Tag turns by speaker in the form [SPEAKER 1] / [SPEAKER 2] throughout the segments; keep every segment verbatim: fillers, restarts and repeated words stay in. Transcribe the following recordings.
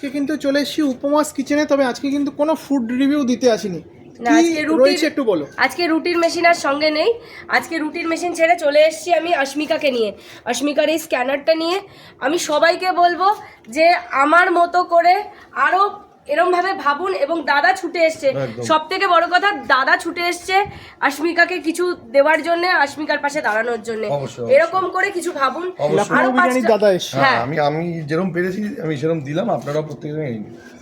[SPEAKER 1] আজকে কিন্তু চলে এসেছি উপমাস কিচেনে, তবে আজকে কিন্তু কোনো ফুড রিভিউ দিতে আসিনি।
[SPEAKER 2] না, আজকে রুটির
[SPEAKER 1] একটু বলো।
[SPEAKER 2] আজকে রুটির মেশিন আর সঙ্গে নেই। আজকে রুটির মেশিন ছেড়ে চলে এসেছি আমি অস্মিকাকে নিয়ে, অস্মিকার এই স্ক্যানারটা নিয়ে। আমি সবাইকে বলবো যে আমার মতো করে আরও এরমভাবে ভাবুন। এবং দাদা ছুটে এসছে, সব থেকে বড় কথা দাদা ছুটে এসছে অস্মিকাকে কিছু দেওয়ার জন্য, অস্মিকার পাশে দাঁড়ানোর জন্য। এরকম করে কিছু ভাবুন।
[SPEAKER 1] আরো বিরিয়ানির দাদা এসছে।
[SPEAKER 3] হ্যাঁ, আমি আমি যেরকম পেরেছি আমি সেরকম দিলাম, আপনারাও প্রত্যেকে নিন।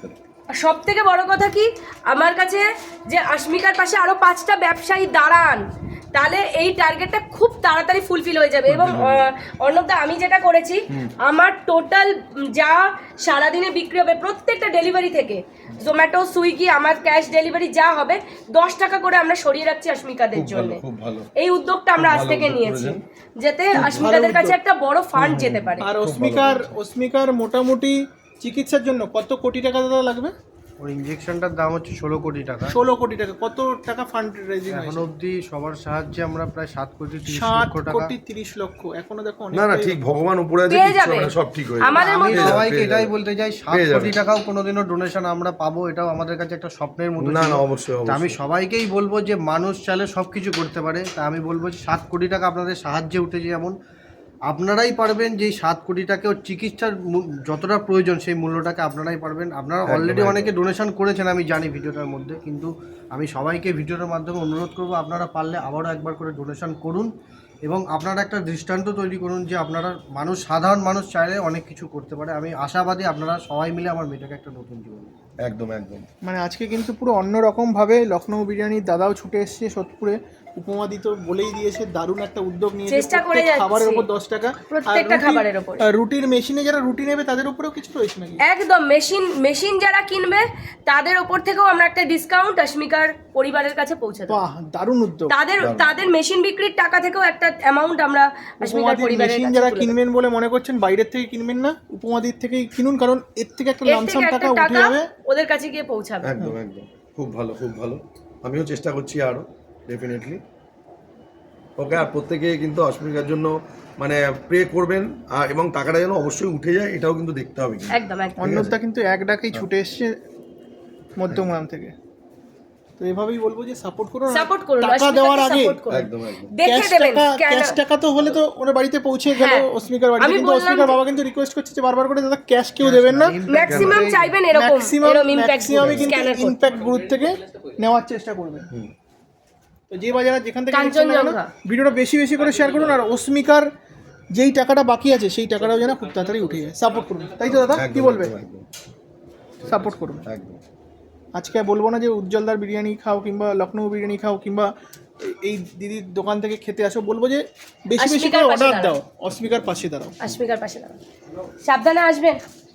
[SPEAKER 2] সব থেকে বড় কথা কি আমার কাছে, যে অস্মিকার পাশে আরো পাঁচটা ব্যবসায়ী দাঁড়ান, তাহলে এই টার্গেটটা খুব তাড়াতাড়ি ফুলফিল হয়ে যাবে। এবং অর্ণবদা, আমি যেটা করেছি, আমার টোটাল যা সারাদিনে বিক্রি হবে প্রত্যেকটা ডেলিভারি থেকে, জোম্যাটো, সুইগি, আমার ক্যাশ ডেলিভারি যা হবে, দশ টাকা করে আমরা সরিয়ে রাখছি অস্মিকাদের জন্য। এই উদ্যোগটা আমরা আজ থেকে নিয়েছি, যাতে অস্মিকাদের কাছে একটা বড় ফান্ড যেতে পারে।
[SPEAKER 1] আর অস্মিকার অস্মিকার মোটামুটি চিকিৎসার জন্য কত কোটি টাকা দাদা লাগবে?
[SPEAKER 4] ওর ইনজেকশনটার দাম হচ্ছে ষোলো কোটি টাকা।
[SPEAKER 1] ষোলো কোটি টাকা। কত টাকা ফান্ড রেজিং
[SPEAKER 4] এখন অবধি সবার সাহায্যে আমরা প্রায় সাত কোটি তিরিশ
[SPEAKER 1] সাত
[SPEAKER 4] লক্ষ টাকা।
[SPEAKER 1] কোটি তিরিশ লক্ষ এখনো দেখো অনেক।
[SPEAKER 3] না না, ঠিক, ভগবান উপরে আছে,
[SPEAKER 2] পেয়ে
[SPEAKER 3] কিচ্ছু
[SPEAKER 2] যাবে।
[SPEAKER 3] হবে না, সব ঠিক হয়ে যাবে।
[SPEAKER 2] আমাদের
[SPEAKER 4] আমি
[SPEAKER 2] মতো
[SPEAKER 4] সবাইকে এটাই বলতে চাই, সাত
[SPEAKER 3] পেয়ে যাবে।
[SPEAKER 4] কোটি টাকাও কোনোদিনও ডোনেশন আমরা পাবো, এটাও আমাদের কাছে একটা স্বপ্নের মতো
[SPEAKER 3] না
[SPEAKER 4] ছিল।
[SPEAKER 3] না, অবশ্যই
[SPEAKER 4] তা আমি
[SPEAKER 3] অবশ্যই।
[SPEAKER 4] সবাইকেই বলবো যে মানুষ চাইলে সব কিছু করতে পারে। তা আমি বলবো যে সাত কোটি টাকা আপনাদের সাহায্যে উঠেছে, যেমন আপনারাই পারবেন যে এই সাত কোটি টাকা ওর চিকিৎসার মূ- যতটা প্রয়োজন সেই মূল্যটাকে আপনারাই পারবেন। আপনারা
[SPEAKER 3] একদম,
[SPEAKER 4] অলরেডি
[SPEAKER 3] একদম।
[SPEAKER 4] অনেকে ডোনেশন করেছেন আমি জানি ভিডিওটার মধ্যে, কিন্তু আমি সবাইকে ভিডিওটার মাধ্যমে অনুরোধ করবো আপনারা পারলে আবারও একবার করে ডোনেশন করুন এবং আপনারা একটা দৃষ্টান্ত তৈরি করুন যে আপনারা মানুষ, সাধারণ মানুষ চাইলে অনেক কিছু করতে পারে। আমি আশাবাদী আপনারা সবাই মিলে আমার মেয়েটাকে একটা নতুন জীবন দেবেন।
[SPEAKER 3] একদম একদম।
[SPEAKER 1] মানে আজকে কিন্তু পুরো অন্যরকম ভাবে লখনৌ বিরিয়ানির দাদাও ছুটে এসেছে সোদপুরে। উপমাদি তো বলেই দিয়েছে দারুণ একটা উদ্যোগ নিয়েছে,
[SPEAKER 2] চেষ্টা করে
[SPEAKER 1] প্রত্যেক
[SPEAKER 2] যাচ্ছি।
[SPEAKER 1] খাবারের উপর দশ টাকা।
[SPEAKER 2] প্রত্যেকটা খাবারের উপর।
[SPEAKER 1] আর রুটির মেশিনে যারা রুটি নেবে তাদের উপরেও কিছু রয়েছে নাকি?
[SPEAKER 2] একদম, মেশিন মেশিন যারা কিনবে তাদের ওপর থেকেও আমরা একটা ডিসকাউন্ট অস্মিকার পরিবারের কাছে পৌঁছে দেবো।
[SPEAKER 1] বাহ, দারুণ উদ্যোগ।
[SPEAKER 2] তাদের তাদের মেশিন বিক্রির টাকা থেকেও একটা অ্যামাউন্ট আমরা অস্মিকার
[SPEAKER 1] উপমাদির
[SPEAKER 2] পরিবারের
[SPEAKER 1] মেশিন
[SPEAKER 2] কাছে
[SPEAKER 1] যারা
[SPEAKER 2] তুলে দেবো।
[SPEAKER 1] কিনবেন বলে মনে করছেন বাইরের থেকে কিনবেন না, উপমাদির থেকেই কিনুন, কারণ এর থেকে একটা
[SPEAKER 2] এর
[SPEAKER 1] লামসাম
[SPEAKER 2] থেকে
[SPEAKER 1] টাকা
[SPEAKER 2] একটা
[SPEAKER 1] উঠে
[SPEAKER 2] টাকা
[SPEAKER 1] যাবে।
[SPEAKER 2] ওদের কাছে গিয়ে পৌঁছাবে।
[SPEAKER 3] একদম একদম, খুব ভালো খুব ভালো। আমিও চেষ্টা করছি আরো, ডেফিনেটলি। ওকে, আর প্রত্যেকে কিন্তু অস্মিকার জন্য মানে প্রে করবেন, আর এবং টাকাটা যেন অবশ্যই উঠে যায় এটাও কিন্তু দেখতে হবে কিন্তু।
[SPEAKER 2] একদম একদম।
[SPEAKER 1] অন্যটা কিন্তু এক ডাকেই ছুটে এসছে মধ্যমগ্রাম থেকে। তো এভাবেই বলবো যে সাপোর্ট করুন। আর
[SPEAKER 2] সাপোর্ট করুন,
[SPEAKER 1] টাকা
[SPEAKER 2] অস্মিকাকে
[SPEAKER 1] দেওয়ার আগে
[SPEAKER 2] সাপোর্ট করুন।
[SPEAKER 3] একদম একদম।
[SPEAKER 2] দেখে
[SPEAKER 1] ক্যাশ
[SPEAKER 2] দেবেন
[SPEAKER 1] টাকা,
[SPEAKER 2] scanner-
[SPEAKER 1] ক্যাশ টাকা তো হলে তো ওর বাড়িতে পৌঁছে গেল
[SPEAKER 2] হ্যাঁ।
[SPEAKER 1] অস্মিকার বাড়িতে,
[SPEAKER 2] আমি
[SPEAKER 1] কিন্তু
[SPEAKER 2] বললাম
[SPEAKER 1] অস্মিকার
[SPEAKER 2] যে-
[SPEAKER 1] বাবা কিন্তু রিকোয়েস্ট করছে যে বারবার করে দাদা ক্যাশ কেউ দেবেন না,
[SPEAKER 2] ম্যাক্সিমাম চাইবেন এরকম
[SPEAKER 1] ম্যাক্সিমাম
[SPEAKER 2] এরকম ইমপ্যাক্ট
[SPEAKER 1] ম্যাক্সিমামই কিন্তু
[SPEAKER 2] স্ক্যানার করতে।
[SPEAKER 1] ইমপ্যাক্ট গ্রুপ থেকে নেওয়ার চেষ্টা করবেন। তো যে বাজারে যেখান থেকে নিচ্ছেন না কেন,
[SPEAKER 2] কাঞ্চনজঙ্ঘা।
[SPEAKER 1] ভিডিওটা বেশি বেশি করে শেয়ার করুন। আর অস্মিকার যেই টাকাটা বাকি আছে সেই টাকাটাও যেন খুব তাড়াতাড়ি উঠে যায়। সাপোর্ট করুন, তাই তো দাদা? কি
[SPEAKER 3] একদম,
[SPEAKER 1] বলবে?
[SPEAKER 3] একদম, একদম,
[SPEAKER 1] সাপোর্ট করুন।
[SPEAKER 3] একদম।
[SPEAKER 1] আজকে বলবো না যে উজ্জ্বলদার বিরিয়ানি খাও কিংবা লখনৌ বিরিয়ানি খাও কিংবা এই দিদির দোকান থেকে খেতে আসো, বলবো যে বেশি বেশি
[SPEAKER 2] অস্মিকার
[SPEAKER 1] করে
[SPEAKER 2] পাশে
[SPEAKER 1] অর্ডার
[SPEAKER 2] দাঁড়াও।
[SPEAKER 1] দাও, অস্মিকার পাশে দাঁড়াও।
[SPEAKER 2] অস্মিকার পাশে দাঁড়ান, সাবধানে আসবেন।